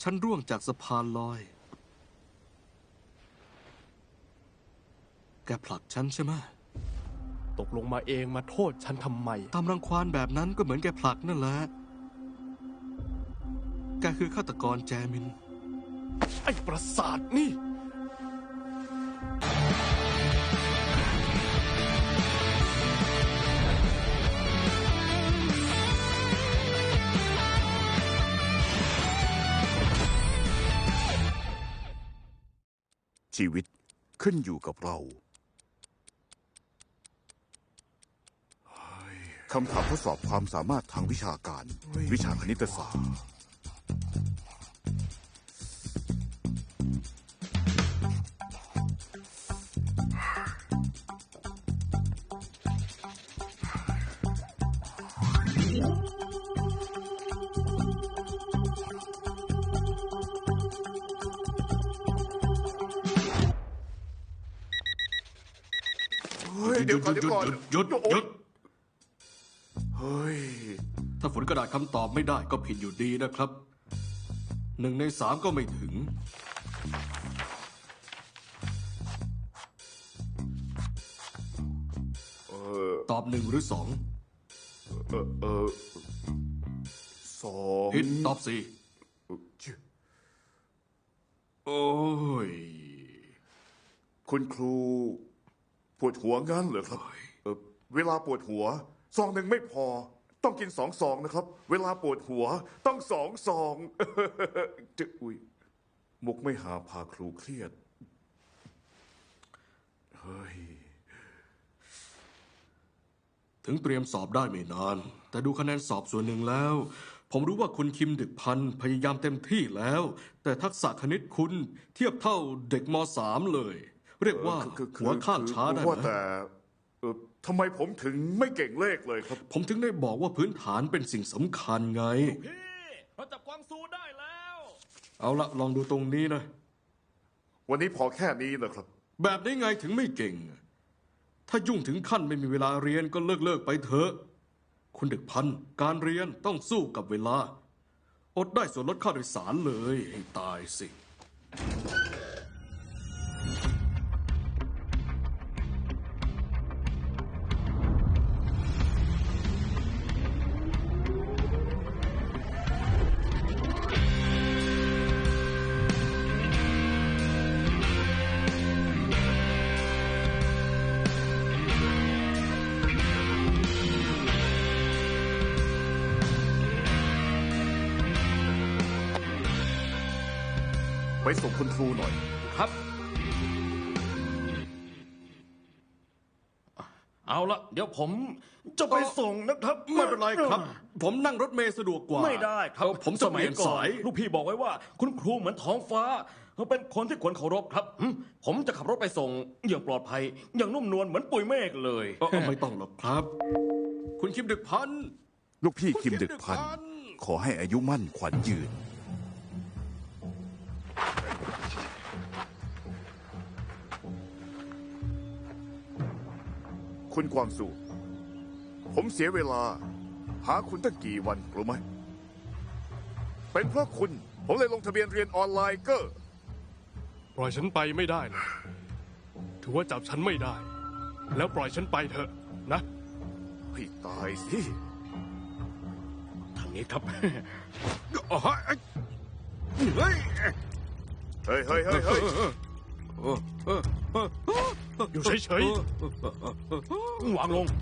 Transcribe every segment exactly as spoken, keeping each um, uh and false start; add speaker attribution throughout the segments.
Speaker 1: ฉันร่วงจากสะพานลอยแกผลักฉันใช่ไหม
Speaker 2: ตกลงมาเองมาโทษฉันทำไม
Speaker 1: ทำรังควานแบบนั้นก็เหมือนแกผลักนั่นแหละแกคือฆาตกรแจมิน
Speaker 2: ไอ้ประสาทนี่
Speaker 3: ชีวิตขึ้นอยู่กับเราคำถามทดสอบความสามารถทางวิชาการวิชาคณิตศาสตร์เดี๋ยวก่อนเดี๋ยวก่อน
Speaker 1: หยุดหยุด
Speaker 3: เฮ้ย
Speaker 1: ถ้าฝนกระดาษคำตอบไม่ได้ก็ผิดอยู่ดีนะครับหนึ่งในสามก็ไม่ถึงตอบหนึ่งหรือสอง
Speaker 3: เออเออสอง
Speaker 1: ผิดตอบสี่โอ้ย
Speaker 3: คุณครูปวดหัวงั้นเหรอครับเออเวลาปวดหัวซองหนึ่งไม่พอต้องกินสองซองนะครับเวลาปวดหัวต้องสองซองจะอุ้ยมุกไม่หาพาครูเครียดเฮ้ย
Speaker 1: ถึงเตรียมสอบได้ไม่นานแต่ดูคะแนนสอบส่วนหนึ่งแล้วผมรู้ว่าคุณคิมดึกพันธ์พยายามเต็มที่แล้วแต่ทักษะคณิตคุณเทียบเท่าเด็กม.สามเลยเรียกว่าหัวข้ามช้าได้ไหม
Speaker 3: แต่ทำไมผมถึงไม่เก่งเลขเลยครับ
Speaker 1: ผมถึงได้บอกว่าพื้นฐานเป็นสิ่งสำคัญไง
Speaker 2: พี่เราจับกวางซูได้แล้ว
Speaker 1: เอาละลองดูตรงนี้นะ
Speaker 3: วันนี้พอแค่นี้นะครับ
Speaker 1: แบบนี้ไงถึงไม่เก่งถ้ายุ่งถึงขั้นไม่มีเวลาเรียนก็เลิกเลิกไปเถอะคุณดึกพันธ์การเรียนต้องสู้กับเวลาอดได้ส่วนลดค่าโดยสารเลยให้ตายสิ
Speaker 3: ไปส่งคุณครูหน่อย
Speaker 1: ครับ
Speaker 2: เอาละเดี๋ยวผมจะไปส่งนะครับ
Speaker 1: ไม่เป็นไรครับผมนั่งรถเมล์สะดวกกว่า
Speaker 2: ไม่ได้ครับ
Speaker 1: ผมจะเปลี่ยนสาย
Speaker 2: ลูกพี่บอกไว้ว่าคุณครูเหมือนท้องฟ้าเขาเป็นคนที่ควรเคารพครับผมจะขับรถไปส่งอย่างปลอดภัยอย่างนุ่มนวลเหมือนปุยเมฆเลย
Speaker 1: ไม่ต้องหรอกครับคุณคิมดึกพันธ์
Speaker 3: ลูกพี่คิมดึกพันธ์ขอให้อายุมั่นขวัญยืนคุณกวางซูผมเสียเวลาหาคุณตั้งกี่วันรู้ไหมเป็นเพราะคุณผมเลยลงทะเบียนเรียนออนไลน์ก็
Speaker 2: ปล่อยฉันไปไม่ได้นะถือว่าจับฉันไม่ได้แล้วปล่อยฉันไปเถอะนะ
Speaker 3: ให้ตายสิ
Speaker 2: ทางนี้ครับ
Speaker 3: เฮ้ยเฮ้ยเฮ้ยเฮ้ยเฮ้ย
Speaker 2: อยู่เฉยๆวางลง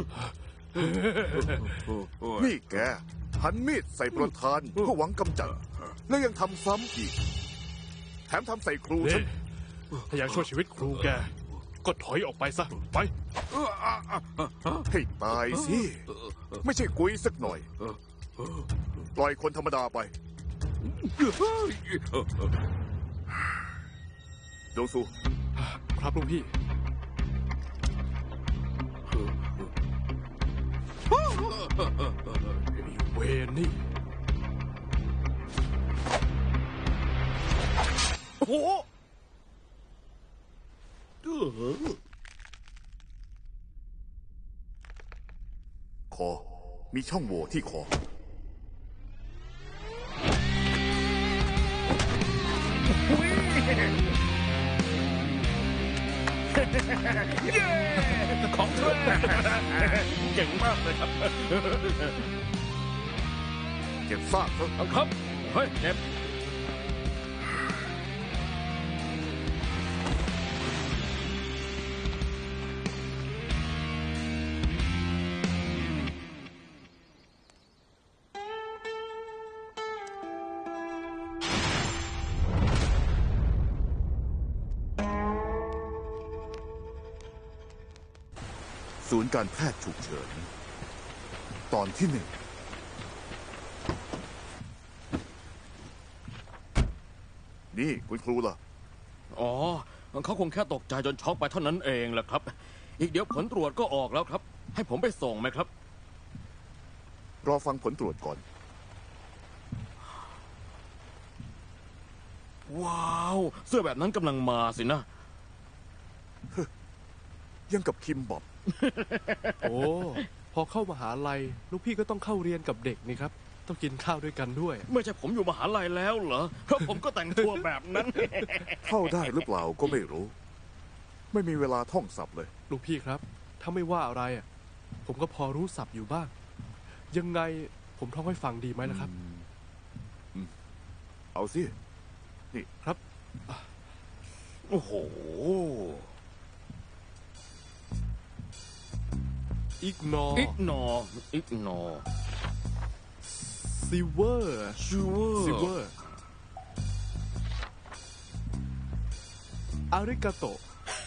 Speaker 3: นี่แกหันมีดใส่ประธานเพื่อหวังกำจัดแล้วยังทำซ้ำอีกแถมทำใส่ครูฉัน
Speaker 2: ถ้าอยากช่วยชีวิตครูแกก็ถอยออกไปซะไป
Speaker 3: ให้ตายสิไม่ใช่กุยสักหน่อยปล่อยคนธรรมดาไปดงซู
Speaker 2: ครับลุงพี่เวนี่โอ้โห
Speaker 3: คอมีช่องโหว่ที่คอ
Speaker 2: เย้ของแท้เก่งมากเลยครับ
Speaker 3: เก็บซากเถอะ
Speaker 2: เอาครับ เฮ้ยเจ็บ
Speaker 3: ศูนย์การแพทย์ฉุกเฉิน ตอนที่หนึ่ง นี่คุณครูล่ะ
Speaker 2: อ๋อ เขาคงแค่ตกใจจนช็อกไปเท่านั้นเองแหละครับ อีกเดี๋ยวผลตรวจก็ออกแล้วครับ ให้ผมไปส่งไหมครับ
Speaker 3: รอฟังผลตรวจก่อน
Speaker 2: ว้าว เสื้อแบบนั้นกำลังมาสินะ
Speaker 3: ยังกับคิมบอบ
Speaker 4: โอ้พอเข้ามหาลัยลูกพี่ก็ต้องเข้าเรียนกับเด็กนี่ครับ ต้องกินข้าวด้วยกันด้วย
Speaker 2: ไม่ใช่ผมอยู่มหาลัยแล้วเหรอ เพราะผมก็แต่งตัวแบบนั้น
Speaker 3: เข้าได้หรือเปล่าก็ไม่รู้ ไม่มีเวลาท่องศัพท์เลย
Speaker 4: ลูกพี่ครับ ถ้าไม่ว่าอะไรอ่ะผมก็พอรู้ศัพท์อยู่บ้าง ยังไงผมท่องให้ฟังดีไหมล่ะครับ
Speaker 3: เอาสิ
Speaker 4: ครับ
Speaker 2: โอ้โห
Speaker 4: อิกนอ
Speaker 2: อิกนออิกนอ
Speaker 4: ซิเวอร์
Speaker 2: ชูเวอร์
Speaker 4: ซิเวอร์อาริกาโต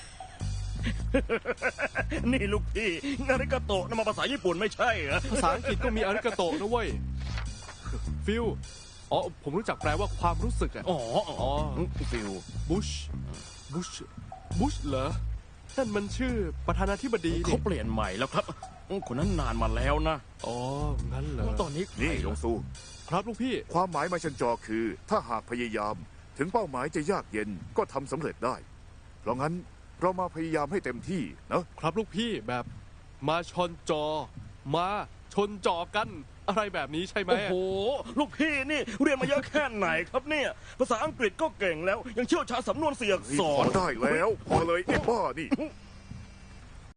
Speaker 2: นี่ลูกพี่นาริกาโตะนั่นมาภาษาญี่ปุ่นไม่ใช่เหรอ
Speaker 4: ภาษาอังกฤษก็มีอาริกาโตนะเว้ย ฟิลอ๋อ ผมรู้จักแปลว่าความรู้สึกอ่ะ
Speaker 2: อ๋อ อ๋อฟิล
Speaker 4: บุช บุช บุชเหรอ นั่นมันชื่อประธานาธิบดี
Speaker 2: เขา
Speaker 4: นี่
Speaker 2: เปลี่ยนใหม่แล้วครับ คนนั้นนานมาแล้วนะ
Speaker 4: อ๋อ งั้นเหรอ
Speaker 2: ตอนนี้ใคร
Speaker 3: นี่ยงซู
Speaker 4: ครับลูกพี่
Speaker 3: ความหมายมาชันจอคือ ถ้าหากพยายาม ถึงเป้าหมายจะยากเย็นก็ทำสำเร็จได้ เพราะงั้นเรามาพยายามให้เต็มที่นะ
Speaker 4: ครับลูกพี่แบบมาชนจอ มาชนจอกัน อะไรแบบนี้ใช่ไหม
Speaker 2: โอ้โห ลูกพี่นี่เรียนมาเยอะแค่ไหนครับเนี่ย ภาษาอังกฤษก็เก่งแล้ว ยังเชี่ยวชาญสำนวนเสียอักษ
Speaker 3: พอ
Speaker 2: ร
Speaker 3: ได้แล้ว พอเลยไอ้บ้านี่